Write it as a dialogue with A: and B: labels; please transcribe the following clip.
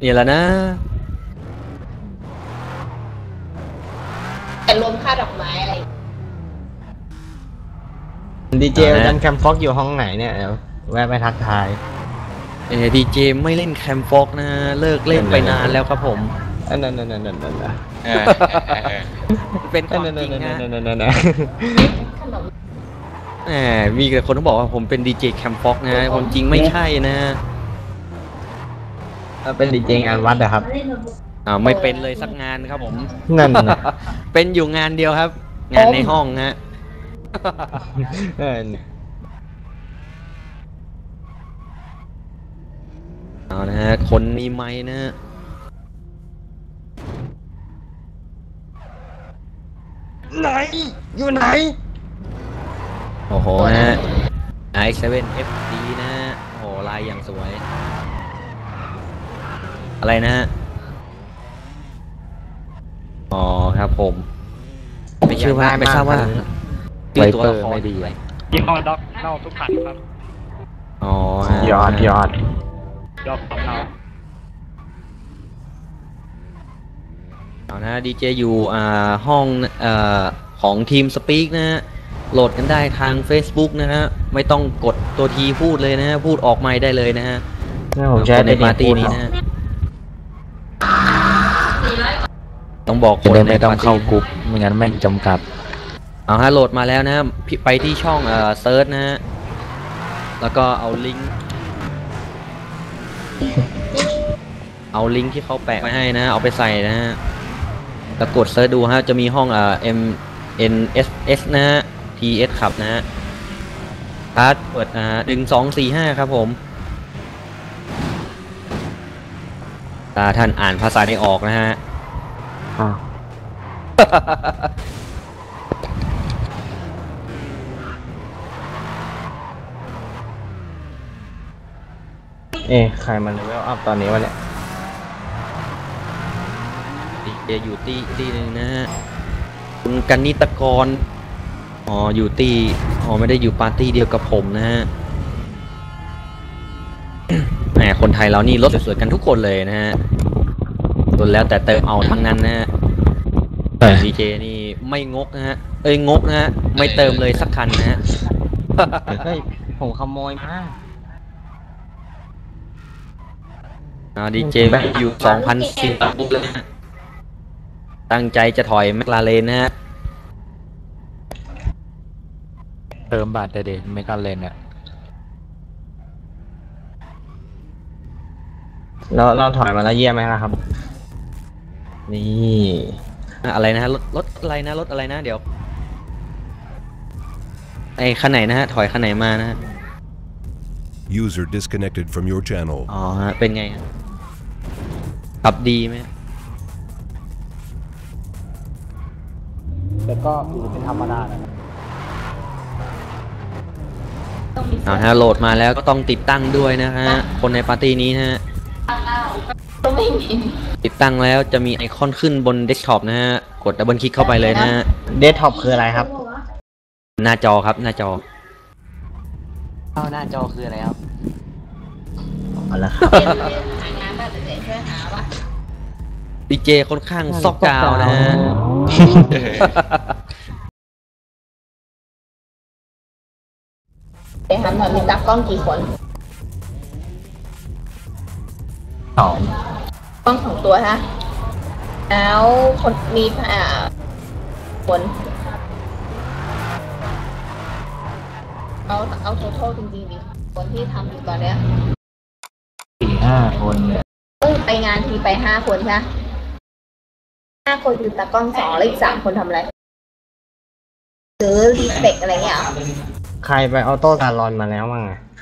A: นี่แหละนะ
B: แต่รวมค่าดอกไม้อะไร
C: ดีเจดันแคมฟ็อกอยู่ห้องไหนเนี่ยเดี๋ยวแวะไปทักทาย
A: ดีเจไม่เล่นแคมฟอกนะเลิกเล่นไปนานแล้วครับผม
C: นั่น
A: เป็นความจริงนะ
B: ขนม
A: มีแต่คนที่บอกว่าผมเป็นดีเจแคมฟอกนะความจริงไม่ใช่นะ
C: เป็นดีเจงานวัดเหรอครับ
A: ไม่เป็นเลยสักงานครับผม
C: นั่น
A: เป็นอยู่งานเดียวครับงานในห้องฮะเอานะฮะคนมีไม้นะ
C: ไหนอยู่ไหน
A: โอ้โหนะ i7FD นะโอ้โหลายอย่างสวยอะไรนะฮะอ๋อครับผมไม่ชื่อว่าไม่ทราบว่าชื่อตัวละครไม่ดี
D: ยี่ห้อด็อกเน่าทุกขันครับ
A: อ๋อย
C: อด
D: ด็อกของเรา
A: เอานะดีเจอยู่ห้องของทีมสปีกนะฮะโหลดกันได้ทาง Facebook นะฮะไม่ต้องกดตัวทีพูดเลยนะฮะพูดออกไมค์ได้เลยนะฮะ
C: ผมใช้
A: ในปาร์ตี้นี้นะต้องบอกคน
C: ไม่ต้องเข้ากลุ่มไม่งั้นไม่จำกัด
A: เอาฮะโหลดมาแล้วนะไปที่ช่องเซิร์ชนะฮะแล้วก็เอาลิงก์ที่เขาแปะไว้ให้นะเอาไปใส่นะฮะแล้วกดเซิร์ชดูฮะจะมีห้องMNSS นะฮะ TS ขับนะฮะพาสเปิด1245ครับผมท่านอ่านภาษาไม่ออกนะฮะ
C: ใครมันเลเวลอัพตอนนี้วะเนี่ย
A: เดี๋ยวอยู่ตีหนึ่งนะฮะคุณกันนิตกรอยู่ไม่ได้อยู่ปาร์ตี้เดียวกับผมนะฮะแหมคนไทยเรานี่รถสวยๆกันทุกคนเลยนะฮะส่วนแล้วแต่เติมเอาทั้งนั้นนะฮะดีเจนี่ไม่งกนะฮะงกนะฮะไม่เติมเลยสักคันนะฮะ
C: ผมขโมยมา
A: ดีเจแบบอยู่2,010ปุ๊บแล้วนะตั้งใจจะถอยแมคลาเรนนะฮะ
C: เติมบาทเด็ดแมคลาเรนเนี่ยเราถอยมาแล้วเยี่ยมไหมครับนี่
A: อะไรนะรถอะไรนะรถอะไรนะเดี๋ยวคันไหนนะฮะถอยคันไหนมานะฮะ
E: User disconnected from your channel
A: อ๋อฮะเป็นไงขับดีไหม
D: แต่ก็อยู่เป็นธรรมดา
A: ฮะโหลดมาแล้วก็ต้องติดตั้งด้วยนะฮะคนในปาร์ตี้นี้นะฮะติดตั้งแล้วจะมีไอคอนขึ้นบนเดสก์ท็อปนะฮะกดดับเบิลคลิกเข้าไปเลยนะฮะ
C: เดสก์ท็อปคืออะไรครับ
A: หน้าจอครับหน้าจอ
C: หน้าจอคืออะไรครับ
B: เอาละครับ
A: ดีเจค่อนข้างซอกกาวนะฮะ
B: ไปถามหน่อยมีตากล้องกี่คนกล้อง2 ตัวฮะแล้วคนมีคนเอาโททอลจริงๆดิคนที่ทำอยู่ตอนเนี้ย
C: 4-5 คน
B: ไปงานทีไป5 คนใช่ไหม5 คนอยู่ตากล้อง2แล้วอีก3 คนทำอะไรซื้อรีสเปกอะไรเงี้ย
C: ใครไปออโต้การอนมาแล้วมั้ง